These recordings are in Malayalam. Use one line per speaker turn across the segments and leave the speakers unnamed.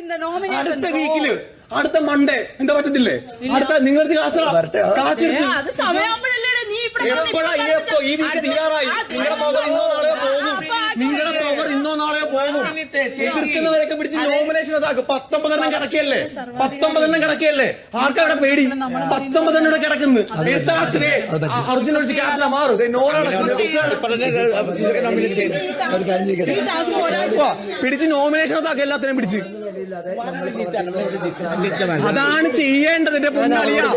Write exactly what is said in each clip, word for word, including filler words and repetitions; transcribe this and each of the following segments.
അടുത്ത വീക്കില് അടുത്ത മൺഡേ എന്താ പറ്റത്തില്ലേ? അടുത്ത നിങ്ങൾക്ക് കാച്ചെടുത്ത് ഈ വീക്ക് തീരാറായി. നിങ്ങളുടെ പവർ ഇന്നോ നാളെയോ പോകും. നിങ്ങളുടെ പവർ ഇന്നോ നാളെയോ പോകും. എതിർക്കുന്നവരൊക്കെ പിടിച്ച് നോമിനേഷൻ അതാക്കും. പത്തൊമ്പതെണ്ണം കിടക്കല്ലേ പത്തൊമ്പതെണ്ണം കിടക്കല്ലേ ആർക്കാ ഇവിടെ പേടി? പത്തൊമ്പതെണ്ണം ഇവിടെ കിടക്കുന്നു. അർജുന ഒഴിച്ച് ക്യാപ്റ്റൻ മാറും. പിടിച്ച് നോമിനേഷൻ അതാക്കും. എല്ലാത്തിനും പിടിച്ച് അതാണ് ചെയ്യേണ്ടത്. എന്റെ പൊന്നാളിയാ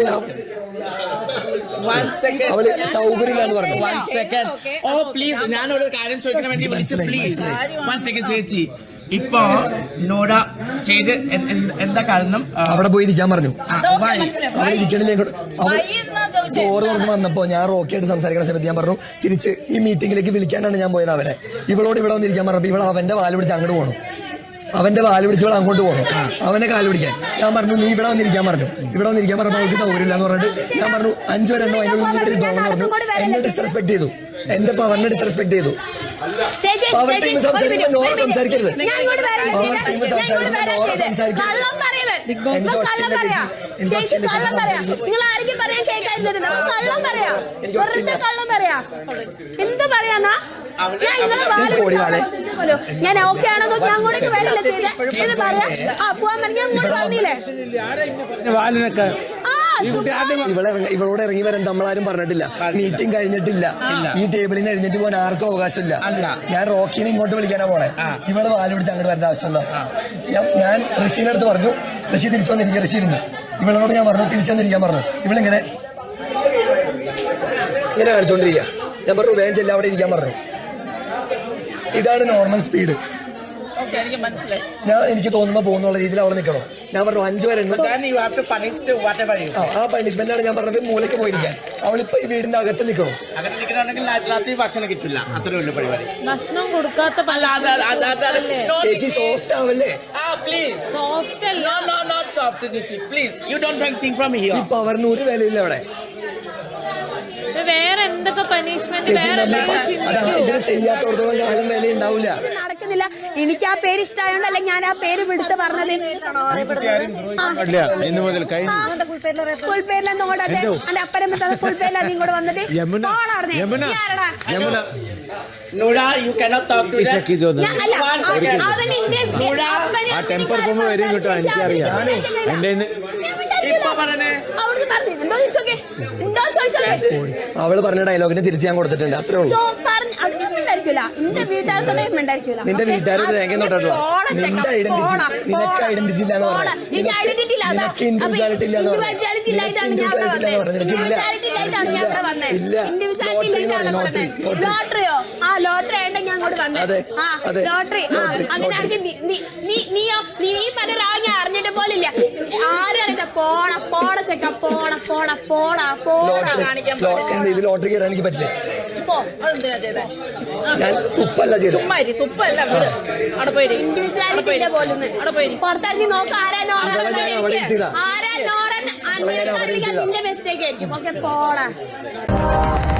അവള് സൗകര്യമില്ലാന്ന് പറഞ്ഞു.
ഓ പ്ലീസ് ഞാനൊരു കാര്യം ചോദിക്കാൻ വേണ്ടി വിളിച്ചു. പ്ലീസ് വൺ സെക്കൻഡ് ചേച്ചി. ഇപ്പൊ നോഡ ചെയ്ത് എന്താ കാരണം?
അവിടെ പോയി ഇരിക്കാൻ പറഞ്ഞു. അവിടെ ഇരിക്കണില്ലേ? ചോറ് തുറന്ന് വന്നപ്പോ ഞാൻ റോക്കിയായിട്ട് സംസാരിക്കുന്ന സമയത്ത് ഞാൻ പറഞ്ഞു തിരിച്ച് ഈ മീറ്റിംഗിലേക്ക് വിളിക്കാനാണ് ഞാൻ പോയത് അവരെ. ഇവളോട് ഇവിടെ വന്നിരിക്കാൻ പറഞ്ഞപ്പോ ഇവൾ അവന്റെ വാല് പിടിച്ച് അങ്ങോട്ട് പോകണം. അവന്റെ വാല് പിടിച്ചവൾ അങ്ങോട്ട് പോകണം. അവനെ കാല് പിടിക്കാൻ ഞാൻ പറഞ്ഞു നീ ഇവിടെ വന്നിരിക്കാൻ പറഞ്ഞു. ഇവിടെ വന്നിരിക്കാൻ പറഞ്ഞപ്പോൾ അവർക്ക് സൗകര്യമില്ല എന്ന് പറഞ്ഞിട്ട് ഞാൻ പറഞ്ഞു അഞ്ചോ രണ്ടോ അതിൻ്റെ ഉള്ളിൽ ഇവിടെ ഇരുന്നോളെന്ന് പറഞ്ഞു. എന്നെ ഡിസ്റെസ്പെക്ട് ചെയ്തു. എന്റെ പവറിനെ ഡിസ്റെസ്പെക്ട് ചെയ്തു. പവർ ടീം സംസാരിക്കുമ്പോൾ നോറ സംസാരിക്കരുത്. പവർ ടീം സംസാരിക്കുമ്പോൾ നോറ സംസാരിക്കരുത്.
എന്ത് പറയാന്നാ ഞാൻ ഓക്കെ ആണെന്നോ ഞാൻ അങ്ങോട്ടേക്ക് വേണ്ടില്ല ചെയ്തേ പറയാ. ആ പോവാൻ പറഞ്ഞാൽ പറഞ്ഞില്ലേ
ഇവളെ ഇവളോട് ഇറങ്ങി വരാൻ നമ്മളാരും പറഞ്ഞിട്ടില്ല. മീറ്റിംഗ് കഴിഞ്ഞിട്ടില്ല. ഈ ടേബിളിൽ നിന്ന് എഴുന്നേറ്റ് പോകാൻ ആർക്കും അവകാശമില്ല. ഞാൻ റോക്കിനെ ഇങ്ങോട്ട് വിളിക്കാനാ പോണേ. ഇവള് വാല് പിടിച്ച് അങ്ങോട്ട് വരേണ്ട ആവശ്യമില്ല. ഞാൻ ഋഷിന്റെ അടുത്ത് പറഞ്ഞു. ഋഷി തിരിച്ചു വന്നിരിക്കുക. ഋഷി ഇരുന്നു. ഇവളോട് ഞാൻ പറഞ്ഞു തിരിച്ചു വന്നിരിക്കാൻ പറഞ്ഞു. ഇവളിങ്ങനെ ഇങ്ങനെ കാണിച്ചോണ്ടിരിക്കുക. ഞാൻ പറഞ്ഞു വേഗം ചെല്ലാം അവിടെ ഇരിക്കാൻ പറഞ്ഞു. ഇതാണ് നോർമൽ സ്പീഡ്. ഞാൻ എനിക്ക് തോന്നുമ്പോ പോകുന്നുള്ള രീതിയിൽ അവിടെ നിൽക്കണം. ഞാൻ പറഞ്ഞു അഞ്ചു വരെ ആ പണിഷ്മെന്റാണ് ഞാൻ പറഞ്ഞത്. മൂലയ്ക്ക് പോയിരിക്കാൻ. അവളിപ്പോ ഈ വീടിന്റെ അകത്ത് നിൽക്കണം.
ഭക്ഷണം കിട്ടില്ല. അത്രേ ഉള്ളൂ പരിപാടി.
ഭക്ഷണം കൊടുക്കാത്ത
ചേച്ചി സോഫ്റ്റ് ആവല്ലേ? ഈ പവറിന് ഒരു വിലയില്ല അവിടെ.
വേറെ എന്തൊക്കെ പനിഷ്മെന്റ്
ഇതിന് ചെയ്യാത്തോടത്തോളം കാലം വില ഉണ്ടാവില്ല.
നടക്കുന്നില്ല. എനിക്ക് ആ പേര് ഇഷ്ടമായോണ്ട് അല്ലെ ഞാൻ ആ പേര് വിടുത്ത് പറഞ്ഞത്. ഫുൾപേരിലെ നോടത്തെ എന്റെ അപ്പരം ഫുൾപേരിലാണ് നീ ഇങ്ങോട്ട് വന്നത്.
അവള് പറഞ്ഞ ഡയലോഗിന് തിരിച്ച് ഞാൻ കൊടുത്തിട്ടുണ്ട്. അത്രേ ഉള്ളൂ. നിന്റെ വീട്ടുകാരോട് തേങ്ങ തൊട്ടിട്ടുള്ള നിന്റെ ഐഡന്റിറ്റി നിനക്ക് ഐഡന്റിറ്റി ഇല്ലാന്ന് പറഞ്ഞു. നിനക്ക് ഇൻഡിവിജ്വാലിറ്റി ഇല്ലാന്ന് പറഞ്ഞു.
ലോട്ടറിയോ ആ ലോട്ടറി ആയിട്ട് ഞാൻ അങ്ങോട്ട് വന്നത്. ലോട്ടറി അങ്ങനെയാണെങ്കിൽ നീയോ നീ പറഞ്ഞ ഞാൻ അറിഞ്ഞിട്ട് പോലില്ല. ആരും അറിയില്ല. പോണ പോണ ചെക്ക പോണ പോണ പോണ പോണ കാണിക്കാൻ
ഇത് ലോട്ടറി കയറാൻ എനിക്ക് പറ്റില്ല. ഞാൻ തുപ്പല്ല ചെയ്തു.
തുപ്പല്ല പുറത്തിറങ്ങി നോക്ക്. ആരാ നോറ ആരാ നോറ നിന്റെ മിസ്റ്റേക്ക് ആയിരിക്കും. ഓക്കെ പോണ